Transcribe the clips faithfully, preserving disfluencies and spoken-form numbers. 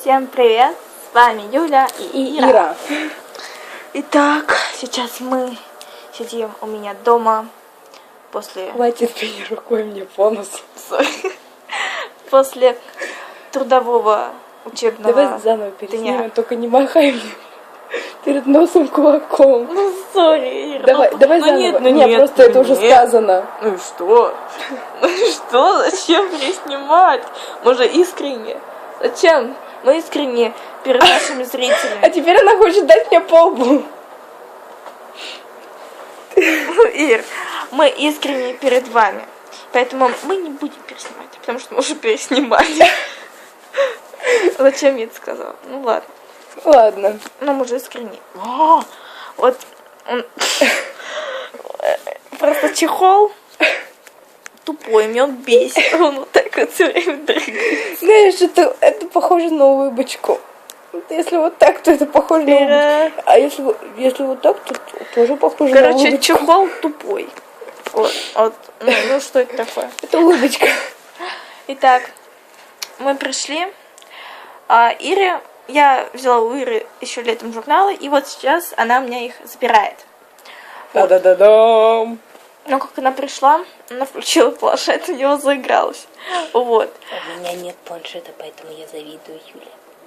Всем привет, с вами Юля и Ира. Ира. Итак, сейчас мы сидим у меня дома после... Хватит бей рукой мне по носу. После трудового учебного... Давай заново переснимем, дня. только не махай мне перед носом кулаком. Ну, сори, Ира. Давай, ну, давай ну, заново. Нет, ну, нет, нет, просто ну, это уже нет. сказано. Ну и что? Ну и что? Зачем переснимать? Мы же искренне. Зачем? Мы искренне перед нашими А зрителями. теперь она хочет дать мне по лбу. Ир, мы искренне перед вами. Поэтому мы не будем переснимать, потому что мы уже переснимали. Зачем я это сказала? Ну ладно. Ладно. Но мы же искренне. О, вот он... Просто чехол тупой, меня он бесит. Он вот так вот все время дрыгает. Знаешь, это, это похоже на улыбочку. Вот если вот так, то это похоже на улыбочку. А если, если вот так, то тоже похоже Короче, на улыбочку. Короче, чехол тупой. Вот, вот. Ну, ну, что это такое? Это улыбочка. Итак, мы пришли. А Ире, я взяла у Иры еще летом журналы, и вот сейчас она у меня их забирает. Вот. Да-да-да-дам. Но как она пришла, она включила планшет, у него заигралась. Вот. У меня нет планшета, поэтому я завидую Юле.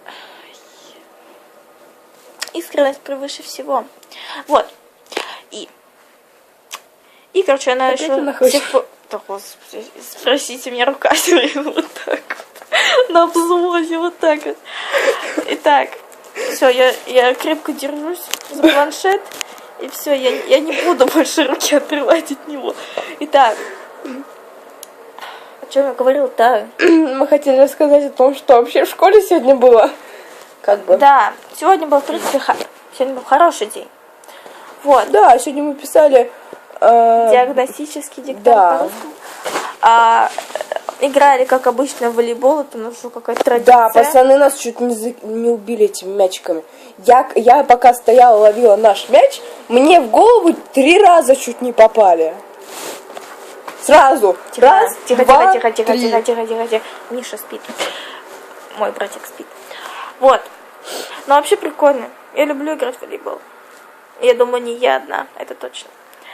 Искренность превыше всего. Вот. И, и короче, она Опять еще... она хочет. Всех... Да, господи, спросите, меня рука вот так вот. На взводе вот так вот. Итак, все, я, я крепко держусь за планшет. И все, я, я не буду больше руки отрывать от него. Итак, о чем я говорил-то? Мы хотели рассказать о том, что вообще в школе сегодня было. Как бы. Да, сегодня был, в принципе, ха... сегодня был хороший день. Вот. Да, сегодня мы писали... Э... Диагностический диктант да. по-русски. А, играли, как обычно, в волейбол. Это ну, что, какая-то традиция. Да, пацаны нас чуть не, за... не убили этими мячиками. Я, я пока стояла, ловила наш мяч, мне в голову три раза чуть не попали. Сразу. Тихо, Раз, тихо, два, тихо, тихо, три. тихо, тихо, тихо, тихо. Миша спит. Мой братик спит. Вот. Но вообще прикольно. Я люблю играть в волейбол. Я думаю, не я одна, это точно.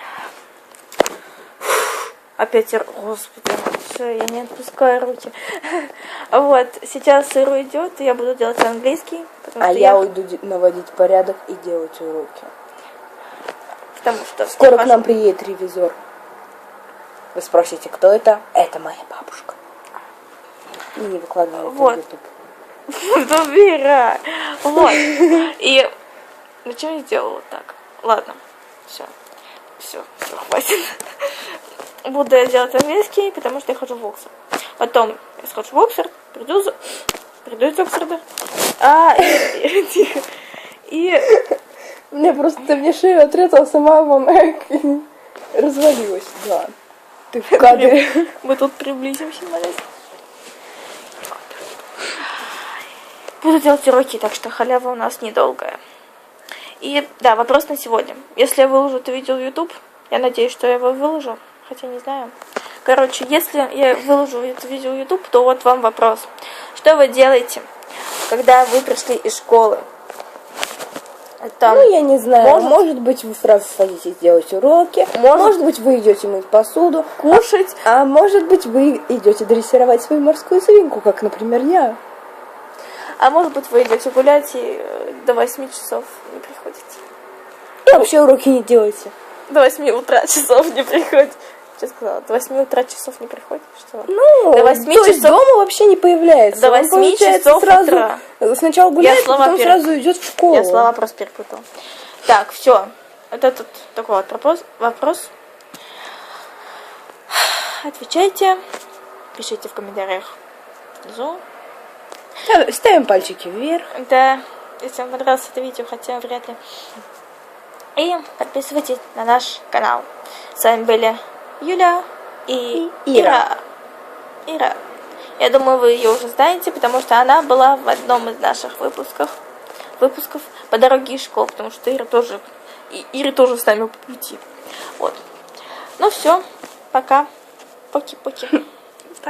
Опять, господи, все, я не отпускаю руки. Вот, сейчас Иру идет, и я буду делать английский. А я, я уйду наводить порядок и делать уроки. Потому что... Скоро к нам приедет ревизор. Вы спросите, кто это? Это моя бабушка. И не выкладываю это вот. в YouTube. Вера. Вот. И зачем я сделала вот так? Ладно, все. Все, все, хватит. Буду я делать английский, потому что я хожу в Оксфорд. Потом я схожу в Оксфорд, приду, за... приду из Оксфорда. А, и, тихо. И... Мне просто ты мне шею отрезала, сама вон развалилась. Да. Ты в кадре. Мы тут приблизимся, молись. Буду делать уроки, так что халява у нас недолгая. И да, вопрос на сегодня. Если я выложу это видео в YouTube, я надеюсь, что я его выложу. Хотя не знаю. Короче, если я выложу это видео в YouTube, то вот вам вопрос. Что вы делаете, когда вы пришли из школы? Это, ну, я не знаю. Может, может быть, вы сразу садитесь делать уроки. Может, может быть, вы идете мыть посуду, кушать. А, а может быть, вы идете дрессировать свою морскую свинку, как, например, я. А может быть, вы идете гулять и до восьми часов не приходите. И вообще уроки не делаете. До восьми утра часов не приходите. Что сказала? До восьми утра часов не приходит? Что? Ну, до восьми то часов... есть дома вообще не появляется. До восьми часов сразу утра. Сначала гуляет, потом пер... сразу идет в школу. Я слова просто перепутала. Так, все. Это тут такой вот вопрос. вопрос. Отвечайте. Пишите в комментариях внизу. Ставим пальчики вверх. Да, если вам понравилось это видео, хотя вряд ли. И подписывайтесь на наш канал. С вами были Юля и, и Ира. Ира. Я думаю, вы ее уже знаете, потому что она была в одном из наших выпусков, выпусков по дороге из школы, потому что Ира тоже, и Ира тоже с нами по пути. Вот. Ну все, пока. Поки-поки.